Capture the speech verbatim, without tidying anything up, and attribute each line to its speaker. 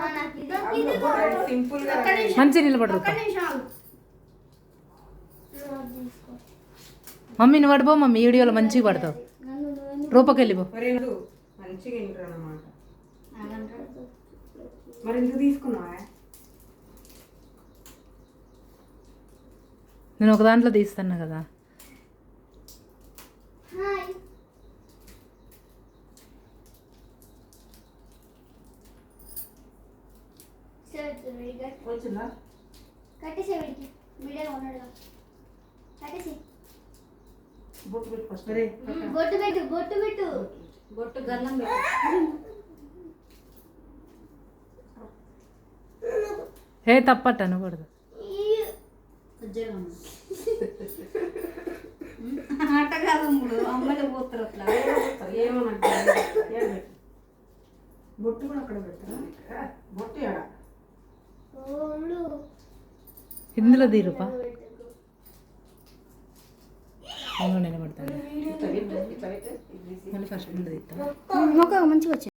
Speaker 1: మంచి నిలబడరు మమ్మీ నువ్వు పడిపో మమ్మీ వీడియోలో మంచిగా పడతావు రూపకి వెళ్ళిపో
Speaker 2: మంచిగా వింటారు అన్నమాట మరి ఎందుకు తీసుకున్నావా
Speaker 1: నేను ఒక దాంట్లో తీస్తాను కదా
Speaker 2: వచ్చిందా
Speaker 3: కట్టేసే వీడికి వీడియో ఉన్నాడుగా కట్టేసి
Speaker 2: బొట్టు పెట్టు ఫస్ట్
Speaker 3: బొట్టు పెట్టు బొట్టు పెట్టు
Speaker 2: బొట్టు గన్నం పెట్టు
Speaker 1: ఏ తప్పట్ట అనకూడదు
Speaker 4: ఆట కాదు అమ్మలే పోతారు అట్లా
Speaker 2: ఏమన్నా బొట్టు కూడా అక్కడ పెట్టరా బొట్టు ఎడ
Speaker 1: ఇందులో దీరుపా నేను పడతాను మళ్ళీ ఫస్ట్ తీస్తాను
Speaker 4: మొక్క మంచిగా వచ్చి